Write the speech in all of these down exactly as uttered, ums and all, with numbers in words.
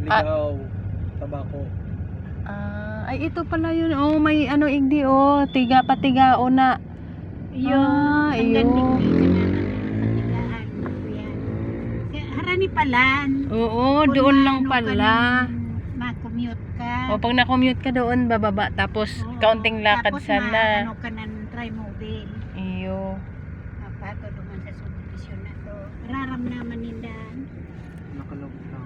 Ligaw, tabako. Ah, ay ito pala yun. Oh, may ano igdi oh, tiga patigao na. Yun, Ah, hanggang iyo. digdi sa naman patigaan. Yan. Kaya harani palan. Oo, Kung doon lang maano ka pala. nang ma-commute ka. O pag na-commute ka doon, bababa. Tapos, Oo, kaunting lakad tapos sana. Tapos ano ka ng trimobile. Iyo. Apato duman sa subdivision na to. Raramnaman nindan. Nakalabot lang.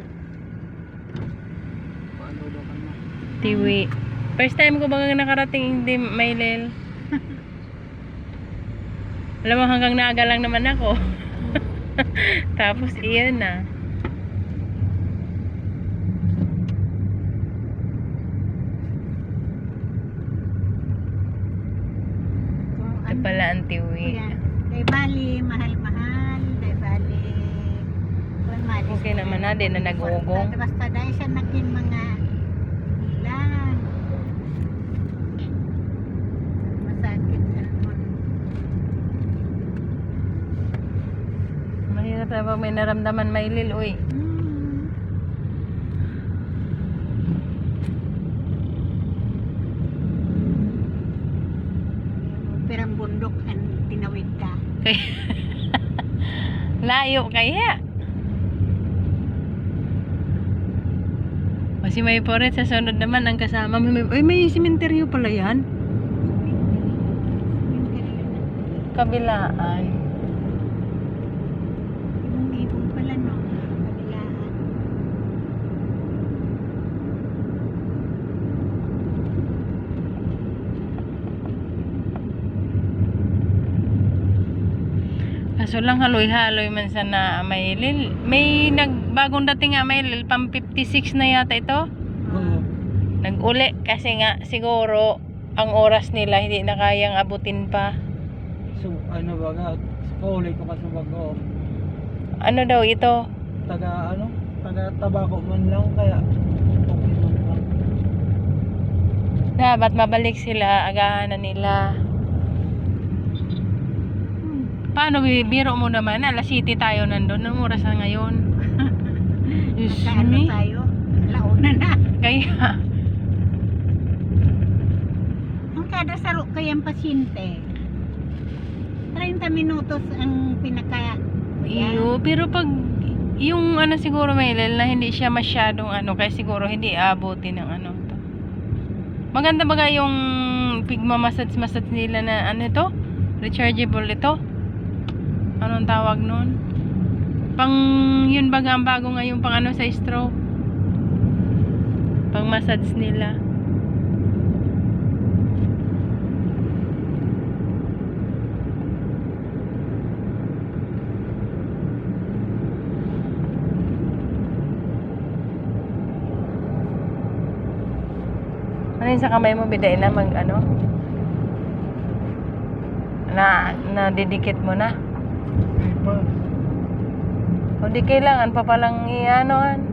Paano daw ka na? Tiwi. First time ko bang nakarating hindi Maylel. Alam mo, hanggang naaga lang naman ako. Tapos, iyan na. Kung Ito pala ang tiwi. Yan. Day bali, mahal-mahal. Day bali. Kung malis Okay ka naman na, di na nag-uugong. Basta dahil siya naging mga ilan. Masakit na nun. Mahirap na pag may naramdaman Maylel, uy. Hmm. Perang bundok ang tinawid ka. Layo kaya. Kasi may forest sa sunod naman ang kasama. May, ay, may simenteryo pala yan. Kabilaan. Ibong-ibong pala no. Kabilaan. Kaso lang haloy-haloy man sa na Maylel. May nagbagong dating nga Maylel, pang fifty-six na yata ito. Oo. Nag-uli kasi nga siguro ang oras nila hindi na kayang abutin pa. So, ano ba nga? Paulit ko kasi bago. Ano daw ito? Taga ano? Taga tabako man lang kaya okay man lang. Dapat mabalik sila, agahan na nila. Paano bibiro mo naman? Alas City tayo nandun. Anong oras na ngayon? Diyos Magkaano me. tayo? Launa na. Kaya, Ang kada saro kayang pasyente. thirty minutos ang pinaka. iyo. Pero pag, yung ano siguro Maylel, na hindi siya masyadong ano, kaya siguro hindi abutin ng ano to. Maganda ba yung pigmamassage-massage nila na ano ito? Rechargeable ito? Anong tawag nun? Pang, yun baga ang bago ngayon pang ano sa stroke. Pang massage nila. Ano yun sa kamay mo, biday na mag ano? Na, nadidikit mo na. Hindi pa. O di kailangan pa palang i-anoan.